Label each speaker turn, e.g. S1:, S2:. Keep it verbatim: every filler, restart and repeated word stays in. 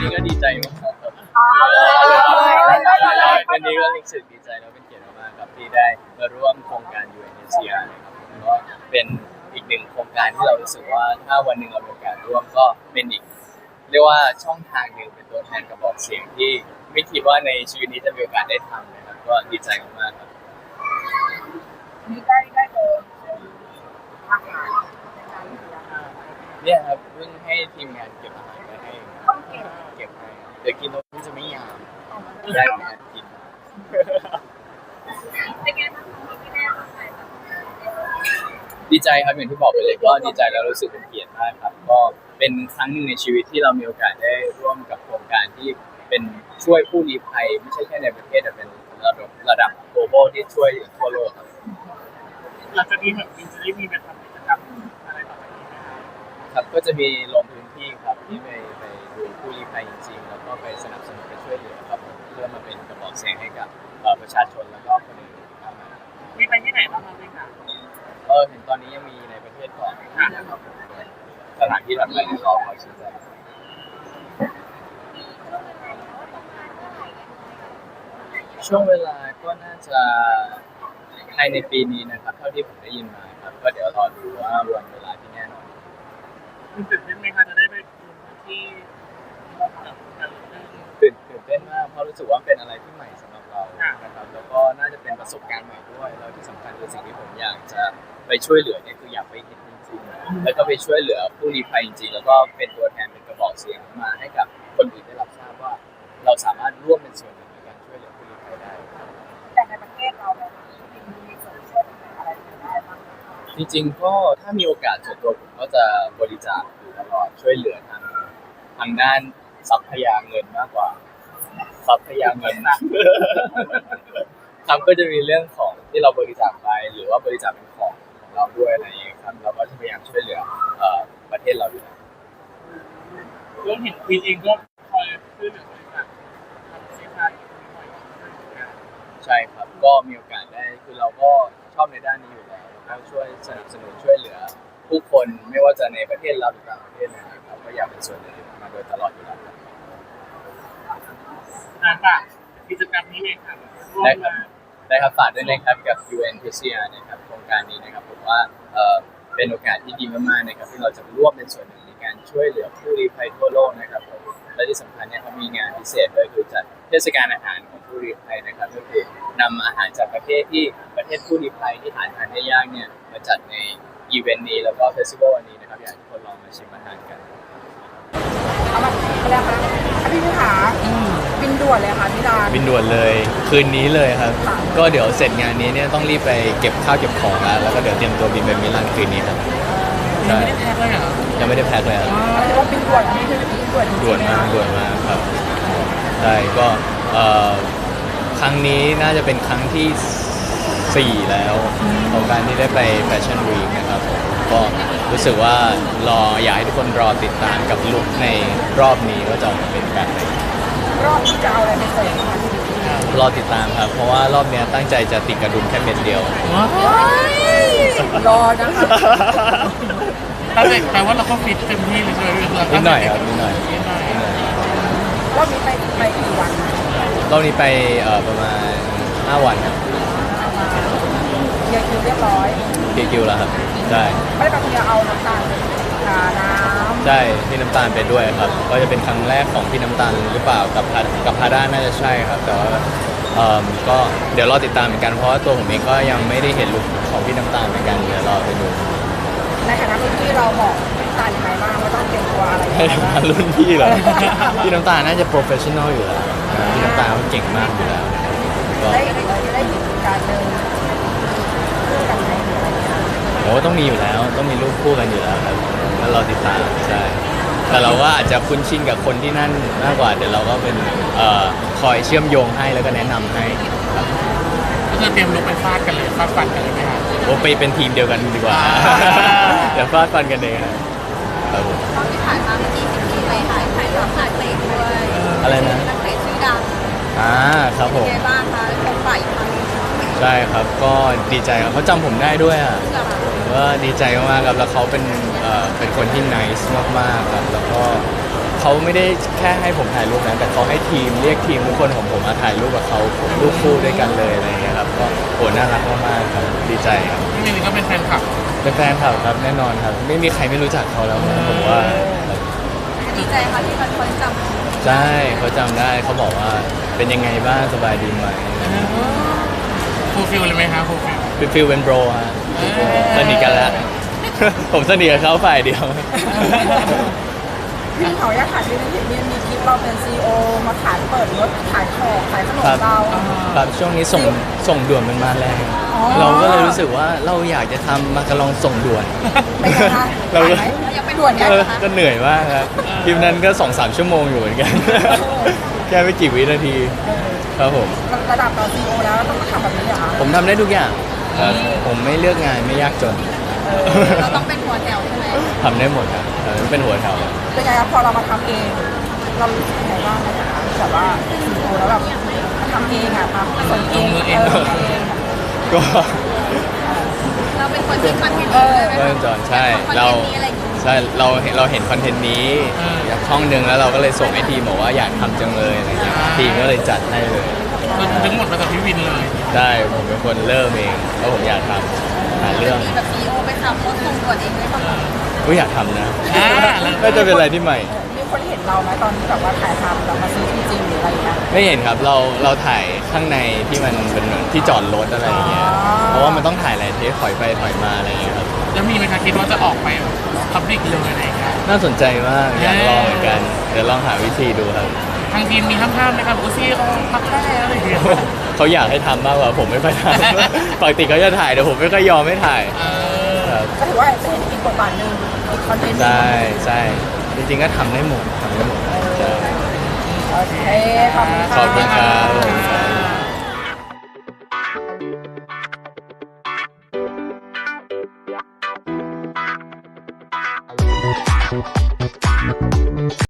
S1: นี้ก็ดีใจมากครับวันนี้ก็รู้สึกดีใจแล้วเป็นเกียรติมากครับที่ได้มาร่วมโครงการ ยู เอ็น เอ ซี อาร์ นะครับก็เป็นอีกหนึ่งโครงการที่เรารู้สึกว่าถ้าวันหนึ่งเรามีโอกาสร่วมก็เป็นอีกเรียกว่าช่องทางหนึ่งเป็นตัวแทนกระบอกเสียงที่ไม่คิดว่าในชีวิตนี้จะมีโอกาสได้ทำนะครับก็ดีใจมากๆครับ
S2: มีได้ได้เจออาหาร
S1: เนี่ยครับเพิ่งให้ทีมงานเก็บอาหารไปให้เก็บให้เดี๋ยวกินแล้วจะไม่ยามได้ไหมกิน
S2: เป็นไงบ้างที่แม่มาใส่แบบ
S1: ดีใจครับอย่างที่บอกไปเลยก็ดีใจแล้วรู้สึกเป็นเกียรติมากครับก็เป็นครั้งหนึ่งในชีวิตที่เรามีโอกาสได้ร่วมกับโครงการที่เป็นช่วยผู้ลี้ภัยไม่ใช่แค่ในประเทศแต่เป็นระดับระดับ global ที่ช่วยทั่วโลกครับ
S2: หลังจากนี้แบบจะได้มีไปทำกิจกรรมอะไรต่อไปนี้ไหม
S1: ครับก็จะมีลงพื้นที่ครับที่ไปไปดูผู้ลี้ภัยจริงๆแล้วก็ไปสนับสนุนไปช่วยเหลือครับเพื่อมาเป็นกระบอกเสียงให้กับประชาชนแล้วก็คนอื่นครับ
S2: มีไปที่ไหนบ้างครับพี่คะ
S1: เออเห็นตอนนี้ยังมีในประเทศก่อนนะครับสถานที่ถัดไปที่รอคอยชี้แจงช่วงเวลาก็น่าจะภายในปีนี้นะครับเท่าที่ผมได้ยินมาครับก็เดี๋ยวรอดูว่าวันเวลาที่แน่นอน
S2: คุณตื่นเต้นไหมคะจะได้ไปดูที่
S1: ตื่นตื่นเต้นมากเพราะรู้สึกว่าเป็นอะไรที่ใหม่สำหรับเรานะครับแล้วก็น่าจะเป็นประสบการณ์ใหม่ด้วยแล้วที่สำคัญคือสิ่งที่ผมอยากจะไปช่วยเหลือเนี่ยคืออยากไปเห็นจริงๆแล้วก็ไปช่วยเหลือผู้ลี้ภัยจริงๆแล้วก็เป็นตัวแทนเป็นกระบอกเสียงมาให้กับคนอื่นได้รับทราบว่าเราสามารถร่วมเป็นส่วนหนึ่งในการช่วยเหลือผู้ลี้ภัยได้
S2: แต่ในประเทศเราเนี่ยมีส่วนช่วยอะไรได้บ้าง
S1: จริงๆก็ถ้ามีโอกาสส่วนตัวผมก็จะบริจาคอยู่ตลอดช่วยเหลือทางทางด้านทรัพยาเงินมากกว่าทรัพยาเงินนะครับก็จะมีเรื่องของที่เราบริจาคไปหรือว่าบริจาคเป็นของของเราด้วยอะไรอย่างเงี้ยครับเราก็จะพยายามช่วยเหลือประเทศเราอยู่แล้ว
S2: ก็เห็นพีเองก็คอยช่วยเหลือบริจาคทำสินค้าอยู่บ่อย
S1: ใช่ครับก็มีโอกาสได้คือเราก็ชอบในด้านนี้อยู่แล้วแล้วก็ช่วยสนับสนุนช่วยเหลือผู้คนไม่ว่าจะในประเทศเราหรือต่างประเทศนะครับก็อยากเป็นส่วนหนึ่งมาโดยตลอดอยู่แล้ว
S2: อ่าค่ะกิจกรรมนี้เองครับ
S1: ได้ครับได้ครับฝากด้วยนะครับกับ ยู เอ็น พี ซี อาร์ นะครับโครงการนี้นะครับผมว่าเอ่อเป็นโอกาสที่ดีมากๆนะครับที่เราจะร่วมเป็นส่วนหนึ่งในการช่วยเหลือผู้ลี้ภัยทั่วโลกนะครับผมและที่สำคัญเนี่ยเขามีงานพิเศษด้วยคือจัดเทศกาลอาหารของผู้ลี้ภัยนะครับก็คือนำอาหารจากประเทศที่ประเทศผู้ลี้ภัยที่หาทานได้ยากเนี่ยมาจัดในอีเวนต์นี้แล้วก็เฟสติวัลนี้นะครับอยากให้ทุกคนลองมาชิมอาหารกัน
S2: เอามาแล้วค่ะพี่ผู้ขาบินด่วนเลยค่ะพี่ดา
S3: บินด่วนเลยคืนนี้เลยครับก็เดี๋ยวเสร็จงานนี้เนี่ยต้องรีบไปเก็บข้าวเก็บของแล้วแล้วก็เดี๋ยวเตรียมตัวบินไปมิลานคืนนี้ครับ
S2: ยังไม่ได้แพ็คเลยเหรอ
S3: ยังไม่ได้แพ็คเลยครับ
S2: แต่ว่าบินด่วนนี่คือบินด่วน
S3: ด่วนมากด่วนมากครับใช่ก็ครั้งนี้น่าจะเป็นครั้งที่สี่แล้วของการที่ได้ไปแฟชั่นวีคนะครับก็รู้สึกว่ารออยากให้ทุกคนรอติดตามกับลุคในรอบนี้ว่าจะออกมาเป็นแบบไหน
S2: รอบนี้จะเอาอะไรไปใส่
S3: รอติดตามครับเพราะว่ารอบนี้ตั้งใจจะติดกระดุมแค่เม็ดเดียว
S2: รอนะคะแต่ว่าเราก็ฟิตเต็มที่เลยใช่ไหม
S3: นิดหน่อยครับนิดหน่อย
S2: รอบนี้ไปไปกี่วัน
S3: รอบนี้ไปประมาณห้าวันครับ
S2: เรียคิวเรียบร้อย
S3: เรียคิวแล้วครับใช่
S2: ไม่ต้องจะเอาน้ำตาลทาน้ำ
S3: ใช่พี่น้ำตาลไปด้วยครับก็จะเป็นครั้งแรกของพี่น้ำตาลหรือเปล่ากับกับพาด้าน่าจะใช่ครับแต่ว่าก็เดี๋ยวรอติดตามเหมือนกันเพราะว่าตัวผมเองก็ยังไม่ได้เห็นลุคของพี่น้ำตาลเหมือนกันเดี๋ยวรอไปดู
S2: ในฐานะรุ่นพี่เราบอกน้ำตาลยังไงบ้างว่าต้องเตรียมตัวอะไร
S3: ในฐานะรุ่นพี่เหรอพี่น้ำตาลน่าจะโปรเฟชชั่นอลอยู่แล้วพี่น้ำตาลเขาเก่งมากอยู่แล้ว
S2: ก็ได้ได้เห็นการเดินคู่กันไหม
S3: โอ้ต้องมีอยู่แล้วต้องมีรูปคู่กันอยู่แล้วครับแล้วเราติดตามใช่แต่เราก็อาจจะคุ้นชินกับคนที่นั่นมากกว่าเดี๋ยวเราก็เป็นคอยเชื่อมโยงให้แล้วก็แนะนำให้ครับ
S2: ก็จะเตรียมลุกไปฟาดกันเลยฟาดฟันกันเลยไหมครับ
S3: โอ้ไปเป็นทีมเดียวกันดีกว่าเดี๋ยวฟาดฟันกันเองครับ
S4: ตอนที่ถ่ายมาเมื่อกี้สิบปีไปถ่ายถ่ายกับถ่ายเพลงด้วย
S3: อะไรนะ
S4: นักเตะชื่อดัง
S3: อ่าครับผม
S4: เป็นไงบ้างคะชมฝ่ายอีกครั้งนึง
S3: ใช่ครับก็ดีใจครับเขาจำผมได้ด้วยอ่ะก็ดีใจมากๆครับแล้วเขาเป็นเอ่อเป็นคนที่ nice มากๆครับแล้วก็เขเขาไม่ได้แค่ให้ผมถ่ายรูปนะแต่เขาให้ทีมเรียกทีมทุกคนของผมมาถ่ายรูปกับเขาผมรูปคู่ด้วยกันเลยอะไรอย่างเงี้ยครับก็โหน่ารักมากๆครับดีใจครับ
S2: พี่มินก็เป็นแฟนคลับ
S3: เป็นแฟนคลับครับแน่นอนครับ ไม่มีใครไม่รู้จักเขาแล้วนะผมว่า
S4: ดีใจค่ะที่มันคนจำ
S3: ใช่เขาจำได้เขาบอกว่าเป็นยังไงบ้างสบายดีไหม
S2: ฟูลฟิลเลยไหมคะฟูลฟิล
S3: เป็นฟิลเป็นโบรฮะสนิทกันแล้ว ผมสนิทกับเขาฝ่ายเดียว
S5: พี่เขาอยากขายที่นี่มีมีคลิปเราเป็นซีอีโอมาขายเปิดรถขายของขายขนม
S3: ครับ
S5: เรา
S3: ครับช่วงนี้ส่งส่งด่วนมันมาแรง
S5: อ๋อ
S3: เราก็เลยรู้สึกว่าเราอยากจะทำมาการองส่งด่วน
S5: เป็นไงคะ
S3: เราก็
S5: ขายไหมยังไปด่วนยัง
S3: เออ
S5: คะ
S3: ก็เหนื่อยมากครับคลิปนั้นก็สองสามชั่วโมงอยู่เหมือนกัน แค่ไม่กี่วินาที ครับผม
S5: ระดับเราซีอีโอแล้วต้องมาทำแบบนี้เหรอคะ
S3: ผมทำได้ทุกอย่างครับผมไม่เลือกงานไม่ยากจน
S4: เราต้องเป็นหัวแถวใช่ไหม
S3: ทำได้หมดครับเออเป็นหัวแถว
S5: เป็นไงครับพอเรามาทำเอง เรารู้สึกยังไงบ้างนะคะแบบว่าซีอีโอแล้วแบบมาทำเองอ่ะมาผสมเองเออทำเองอะ
S3: ก็
S4: เราเป็นคนที่คอนเทนต์เองเลยไหม
S3: เริ่มจอนใช่
S4: เรา
S3: เรา
S4: อะไรอย่างเงี้ย
S3: ใช่เราเห็นเราเห็นคอนเทนต์นี้จากช่องหนึ่งแล้วเราก็เลยส่งให้ทีมบอกว่าอยากทำจังเลยอะไรเงี้ยทีมก็เลยจัดให้เลย
S2: ทั้งหมดมาจากพี่วินเลย
S3: ใช่ผมเป็นคนเริ่มเองเพราะผมอยากทำหาเรื่อง
S4: มีแบบซีอีโอไปขับรถส่งตรวจเองเลยป่ะคะ
S3: ก็อยากทำนะ
S2: อ่าแล้ว
S3: น่าจะเป็นอะไรที่ใหม่
S5: มีคนเห็นเราไหมตอนที่แบบว่าถ่ายทำแบบมาซื้อจริงๆหรืออะไรอย่างเงี้ย
S3: ไม่เห็นครับเราเราถ่ายข้างในที่มันเป็นเหมือนที่จอดรถอะไรอย่างเงี้ย
S5: อ๋อ
S3: เพราะว่ามันต้องถ่ายหลายเทปถอยไปถอยมาอะไรอย่างเงี้ยครับ
S2: แล้วมีไหมคะคิดว่าจะออกไปพับลิกเลยอะไรอย่างเงี้ย
S3: น่าสนใจมากอยากลองเหมือนกันเดี๋ยวลองหาวิธีดูครับ
S2: ทางทีมมีห้ามๆไหมครับอูซี่เขาพักได้อะไรอย่างเงี้ย
S3: เขาอยากให้ทำมากกว่าผมไม่ค่อยทำ ปกติเขาจะถ่ายแต่ผมไม่ค่อยยอมให้ถ่าย
S2: เออ
S3: ครับ
S5: ก็ถือว่าเป็นอีกบทบาทหนึ่งอีกคอนเทนต์หนึ่ง
S3: ใช่ใช่จริงๆก็ทำได้หมดทำได้หมดใช่
S5: โอเคขอบคุณค่ะ
S3: ขอบคุณครับ
S6: Thank you.